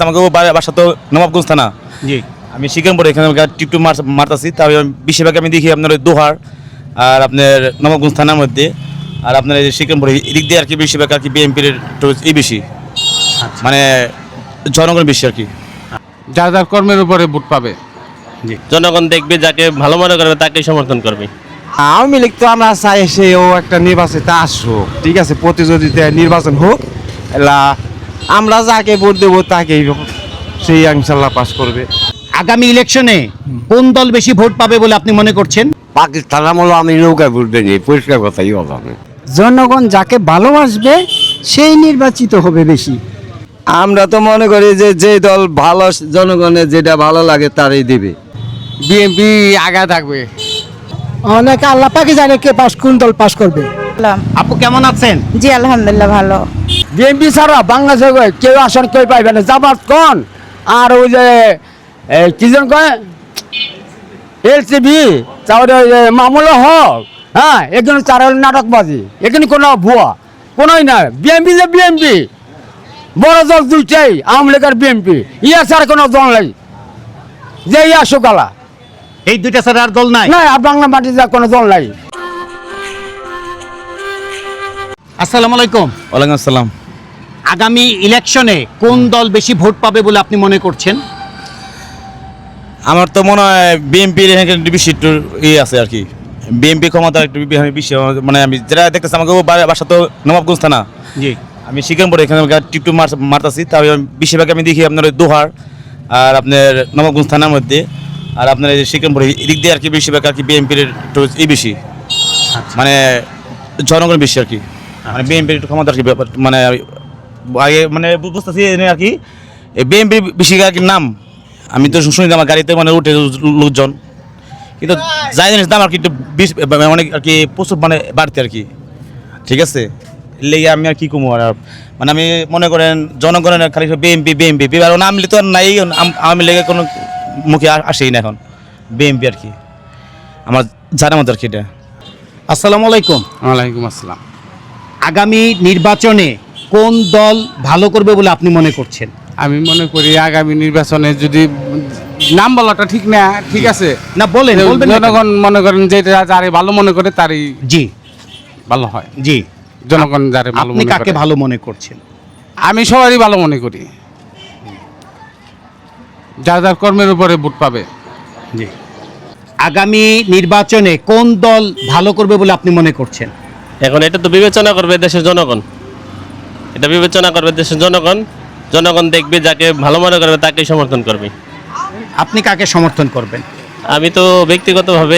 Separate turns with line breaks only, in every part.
দেখতেছি আমাকে বাসা তো নবাবগঞ্জ থানা।
জি।
আমি শিকারপুর এখানে টিপটু মারতাছি, তাহলে বেশিরভাগ আমি দেখি আপনার ওই দোহার আর আপনার নবাবগঞ্জ থানার মধ্যে, আর আপনার এই শিকারপুর এদিক দিয়ে আর কি বেশিরভাগ আর কি বিএনপির একটু এই বেশি, মানে জনগণ বেশি আর কি।
যার যার কর্মের উপরে ভোট পাবে।
জনগণ দেখবে, যাকে ভালো মনে করবে তাকেই সমর্থন করবে।
আওয়ামী লীগ তো আমরা চাই সেও একটা নির্বাচনে আসুক, ঠিক আছে, প্রতিযোগিতায় নির্বাচন হোক, এলা আমরা যাকে ভোট দেবো তাকেই সেই ইনশাল্লাহ পাস করবে।
আগামী ইলেকশনে কোন দল বেশি ভোট পাবে বলে আপনি মনে করছেন?
পাকিস্তান আমলে আমি নৌকায় ভোট দিই, পরিষ্কার কথাই বললাম।
জনগণ যাকে ভালোবাসবে সেই নির্বাচিত হবে বেশি।
আমরা তো মনে করি যে যে দল ভালো, জনগণের যেটা ভালো লাগে তারই দিবে।
বিএনপি আগা থাকবে।
অনেকে আল্লাহ পাকে জানে কে পাস, কোন দল পাস করবে।
আপু কেমন আছেন?
জি আলহামদুলিল্লাহ ভালো।
বিএনপি ছাড়া বাংলাদেশে কেউ আসন কেউ পাইবে না, জামাত কোন আর ওই যে কি জন কয় এলসিবি তারপরে ওই যে মামুল হক, হ্যাঁ এখানে চার নাটকবাজি, এখানে কোনো ভুয়া কোনোই না। বিএনপি যে বিএনপি, বড় দল দুইটাই, আওয়ামী লীগ আর বিএনপি, ইয়া ছাড়া কোনো দল নাই যে ইয়া সুকালা,
এই দুইটা ছাড়া আর দল নাই?
না আর বাংলা মাটিতে কোনো দল নাই।
আসসালামু আলাইকুম।
ওয়ালাইকুম আসসালাম।
আগামী ইলেকশনে কোন দল বেশি ভোট পাবে বলে আপনি মনে করছেন?
আমার তো মনে হয় বিএনপির এখানে বেশি একটু ইয়ে আছে আর কি, বিএনপি ক্ষমতা একটু বেশি, মানে আমি যেটা দেখতেছি আমাকে বাসা তো নবাবগঞ্জ থানা।
জি।
আমি শিকারপুর এখানে টিপটু মারতাছি, তাহলে বেশিরভাগ আমি দেখি আপনার ওই দোহার আর আপনার নবাবগঞ্জ থানার মধ্যে, আর আপনার এই শিকারপুর এদিক দিয়ে আর কি বেশিরভাগ আর কি বিএনপির একটু এই বেশি, মানে জনগণ বেশি আর কি, মানে বিএনপির একটু ক্ষমতা আর কি, মানে আগে মানে বুঝতেছি আর কি বিএনপি বেশি আর কি নাম। আমি তো শুনি আমার গাড়িতে মানে উঠে লোকজন, কিন্তু যাই জিনিস দাম আর কি একটু অনেক আর কি প্রচুর মানে বাড়তে আর কি, ঠিক আছে। লেগে আমি আর কি কমু, আর মানে আমি মনে করেন জনগণের খালি বিএনপি বিএনপি আর নাম তো আর নাই, আওয়ামী লীগের কোনো মুখে আসেই না এখন, বিএনপি আর কি আমার জানার মতো আর কি এটা।
আসসালামু আলাইকুম।
ওয়ালাইকুম আসসালাম।
আগামী নির্বাচনে কোন দল ভালো করবে বলে আপনি মনে করছেন?
আমি মনে করি আগামী নির্বাচনে যদি নাম বলাটা ঠিক না, ঠিক আছে
না বলেন, বলবেন না কেন?
জনগণ মনে করেন যেটা যারে ভালো মনে করে তারই
জি
ভালো হয়।
জি।
জনগণ যারে ভালো
আপনি
মনে
কাকে
করে,
ভালো মনে করছেন?
আমি সবারই ভালো মনে করি। যার যার কর্মের উপরে ভোট পাবে।
জি। আগামী নির্বাচনে কোন দল ভালো করবে বলে আপনি মনে করছেন?
এখন এটা তো বিবেচনা করবে দেশের জনগণ, এটা বিবেচনা করবে দেশের জনগণ। জনগণ দেখবে, যাকে ভালো মনে করবে তাকেই সমর্থন করবে।
আপনি কাকে সমর্থন করবেন?
আমি তো ব্যক্তিগতভাবে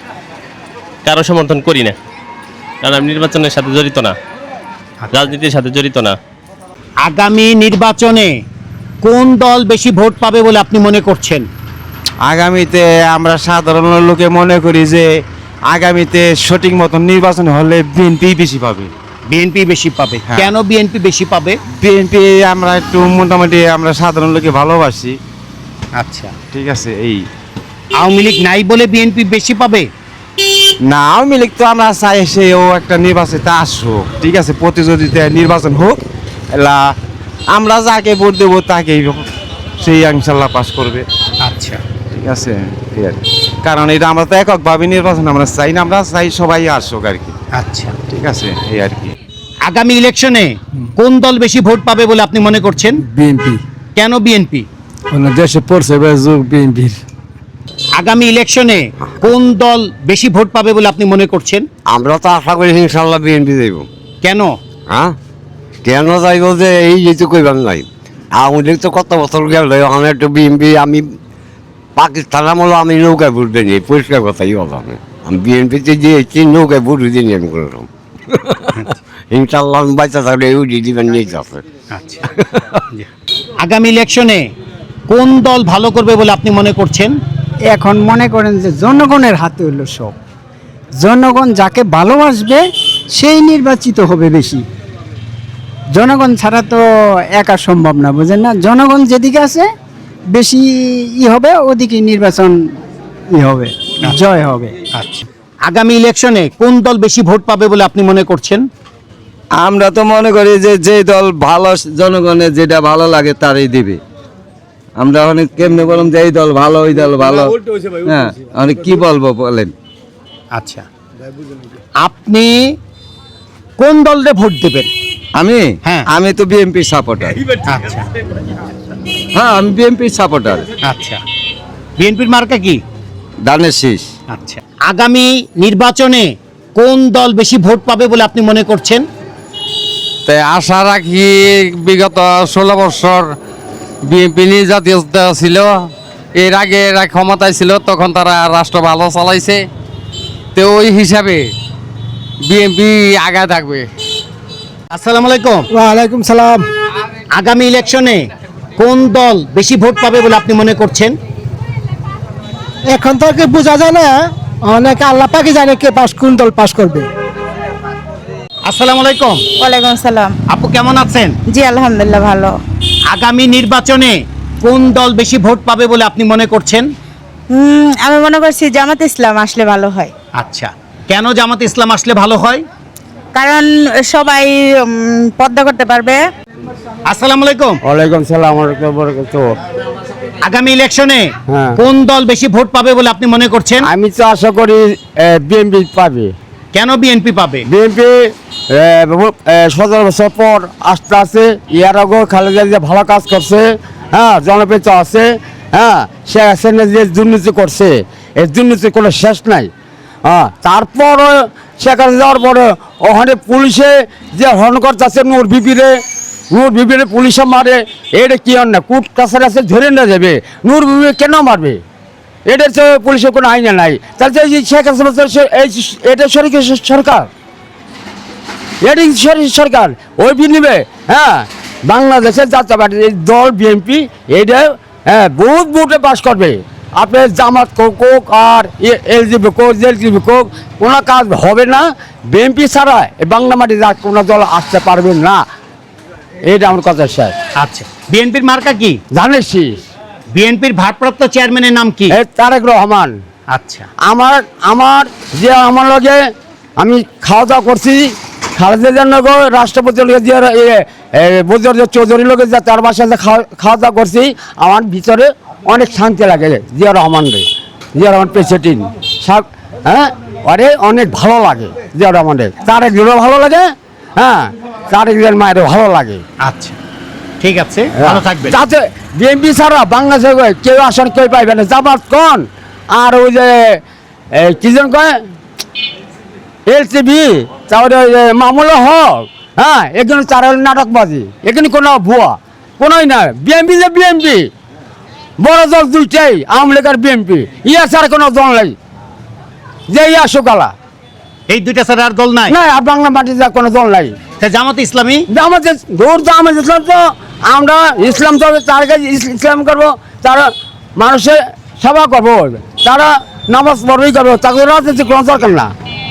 কারো সমর্থন করি না, কারণ আমি নির্বাচনের সাথে জড়িত না, রাজনীতির সাথে জড়িত না।
আগামী নির্বাচনে কোন দল বেশি ভোট পাবে বলে আপনি মনে করছেন?
আগামীতে আমরা সাধারণ লোকে মনে করি যে আগামীতে সঠিক মতন নির্বাচন হলে বিএনপি বেশি পাবে।
বিএনপি বেশি পাবে?
হ্যাঁ।
কেন বিএনপি বেশি পাবে?
বিএনপি আমরা একটু মোটামুটি আমরা সাধারণ লোকে ভালোবাসি,
আচ্ছা।
ঠিক আছে। এই
আওয়ামী লীগ নাই বলে বিএনপি বেশি পাবে?
না, আওয়ামী লীগ তো আমরা চাই সেও একটা নির্বাচনে আসুক, ঠিক আছে, প্রতিযোগিতায় নির্বাচন হোক, এলা আমরা যাকে ভোট দেবো তাকেই সেই ইনশাল্লাহ পাস করবে।
আচ্ছা
ঠিক আছে, এই আর কি। কারণ এটা আমরা তো এককভাবে নির্বাচন আমরা চাই না, আমরা চাই সবাই আসুক আর কি,
আচ্ছা।
ঠিক আছে, এই আর কি।
আগামী ইলেকশনে কোন দল বেশি ভোট পাবে বলে আপনি মনে করছেন?
বিএনপি।
কেন বিএনপি?
দেশে পড়ছে বিএনপির।
আগামী ইলেকশনে কোন দল বেশি ভোট পাবে বলে আপনি মনে করছেন?
আমরা তো আশা করি ইনশাল্লাহ বিএনপি যাইব।
কেন?
হ্যাঁ, কেন যাইব যে এই যেহেতু কইবার নাই, আওয়ামী লীগ তো কত বছর গেল, আমি একটু বিএনপি, আমি পাকিস্তান আমলে আমি নৌকায় ভোট দিই, পরিষ্কার কথাই বললাম। আমি বিএনপিতে দিয়েছি, নৌকায় ভোট দিইনি আমি করলাম। ইনশাল্লাহ আমি বাচ্চা থাকলে এই দিবেন নিয়ে যাচ্ছে।
আচ্ছা, আগামী ইলেকশনে কোন দল ভালো করবে বলে আপনি মনে করছেন?
এখন মনে করেন যে জনগণের হাতে হলো সব, জনগণ যাকে ভালোবাসবে সেই নির্বাচিত হবে বেশি। জনগণ ছাড়া তো একা সম্ভব না, বুঝেন না? জনগণ যেদিকে আছে বেশি হবে, ওদিকে নির্বাচন হবে, জয় হবে।
আচ্ছা, আগামী ইলেকশনে কোন দল বেশি ভোট পাবে বলে আপনি মনে করছেন?
আমরা তো মনে করি যে যে দল ভালো, জনগণের যেটা ভালো লাগে তারই দিবে।
আমরা অনেক কেমনে বললাম যে এই দল ভালো ওই দল ভালো, হ্যাঁ অনেক কি বলবো বলেন।
আচ্ছা, আপনি কোন দলরে ভোট দেবেন?
আমি
হ্যাঁ।
আমি তো বিএনপি সাপোর্টার।
আচ্ছা
হ্যাঁ আমি বিএনপি সাপোর্টার।
আচ্ছা, বিএনপির মার্কা কি?
দানের শীষ।
আচ্ছা, আগামী নির্বাচনে কোন দল বেশি ভোট পাবে বলে আপনি মনে করছেন?
তাই আশা রাখি বিগত 16 বছর বিএনপি জাতীয় ছিল, এর আগে এরা ক্ষমতায় ছিল, তখন তারা রাষ্ট্র ভালো চালাইছে, তো ওই হিসাবে বিএনপি আগায় থাকবে।
আসসালামু আলাইকুম।
ওয়ালাইকুম সালাম।
আগামী ইলেকশনে কোন দল বেশি ভোট পাবে বলে আপনি মনে করছেন?
এখন তো কি বোঝা যায় না, অনেকে আল্লাহ পাকি জানে কে পাস কোন দল পাস করবে।
আসসালামু আলাইকুম।
ওয়ালাইকুম আসসালাম।
আপু কেমন আছেন?
জি আলহামদুলিল্লাহ ভালো।
আগামী নির্বাচনে কোন দল বেশি ভোট পাবে বলে আপনি মনে করছেন?
আমি মনে করছি জামাত ইসলাম আসলে ভালো হয়,
আচ্ছা, কেন জামাত ইসলাম আসলে ভালো হয়?
কারণ সবাই পর্দা করতে পারবে।
আসসালামু আলাইকুম।
ওয়ালাইকুম সালাম।
আগামী ইলেকশনে
হ্যাঁ।
কোন দল বেশি ভোট পাবে বলে আপনি মনে করছেন?
আমি তো আশা করি বিএনপি পাবে।
কেন বিএনপি পাবে?
বিএনপি 17 বছর পর আসতে আছে, ইয়ার আগে খালেদা যে ভালো কাজ করছে, হ্যাঁ জনপ্রিয়তা আছে, হ্যাঁ সে হাসিনা যে দুর্নীতি করছে, এই দুর্নীতির কোনো শেষ নাই। হ্যাঁ তারপর শেখ হাসিনা যাওয়ার পরে ওখানে পুলিশে যে হরণ করতেছে নূর বিবিরে পুলিশে মারে, এটা কি অন্যায়? কোর্ট কাছারি আছে ধরে না যাবে, নূর বিবি কেন মারবে? এটার তো পুলিশের কোনো আইনে নাই। তাহলে এই যে শেখ হাসিনা এটা সরকার, এটি সরকার ওই নিবে। হ্যাঁ বাংলাদেশের জাতীয়তাবাদী দল বিএনপি এইটা হ্যাঁ বহুত ভোটে পাস করবে। আপনার জামাত কোক আর এলজিবি কোক জেলজিবি কোক কোনো কাজ হবে না। বিএনপি ছাড়া এই বাংলা মাটি যা কোনো দল আসতে পারবে না, এটা আমার কথা শেষ।
আচ্ছা, বিএনপির মার্কা কি?
ধানের শীষ।
বিএনপির ভারপ্রাপ্ত চেয়ারম্যানের নাম কি?
তারেক রহমান।
আচ্ছা,
আমার যে আমার লগে আমি খাওয়া দাওয়া করছি, খালেদা নগর রাষ্ট্রপতির লগে যে বজর চৌধুরীর লগে যে তার বাসায় যে খাওয়া দাওয়া করছি, আমার ভিতরে অনেক শান্তি লাগে। জিয়া রহমান প্রেসিডেন্ট সব, হ্যাঁ আরে অনেক ভালো লাগে জিয়া রহমানের। তারেক ভালো লাগে, হ্যাঁ তারেক মায়ের ভালো লাগে।
আচ্ছা ঠিক আছে, ভালো থাকবেন।
যাতে বিএনপি ছাড়া বাংলাদেশে কেউ আসন কেউ পাইবে না। জামাত কোন আর ওই যে কি যেন কয় এলসিবি, তারপরে ওই যে মামুল হক, হ্যাঁ এখানে তার নাটকবাজি, এখানে কোনো ভুয়া কোনোই না। বিএনপি যে বিএনপি, বড় দল দুইটাই, আওয়ামী লীগ আর বিএনপি, ইয়া ছাড়া কোনো দল নাই যে ইয়া সুকালা।
এই দুইটা ছাড়া আর দল নাই?
না, আর বাংলা মাটি যা কোনো দল নাই।
জামাত ইসলামী,
আমাদের দূর তো আমাদের ইসলাম, তো আমরা ইসলাম তো তার কাছে ইসলাম করবো, তারা মানুষের সেবা করবো, তারা নামাজ পড়বেই করবো, তাকে রাজনীতি কোনো দরকার না,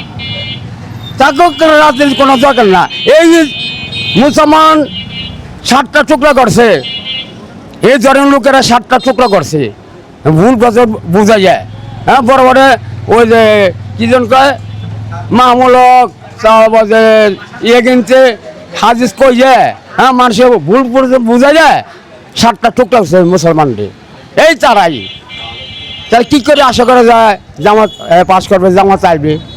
তাকেও রাজনীতি কোনো দরকার না। এই মুসলমান 7টা টুকরা করছে, এই ধরনের লোকেরা 7টা টুকরা করছে, ভুল বছর বোঝা যায়। হ্যাঁ বড় বড় ওই যে কিজন কয় মামলক ইয়ে কিনছে হাজিজ কই যায়, হ্যাঁ মানুষের ভুল বোঝা যায়। 7টা টুকরা করছে মুসলমানদের, এই তারাই। তাহলে কী করে আশা করা যায় জামাত পাস করবে, জামাত চাইবে?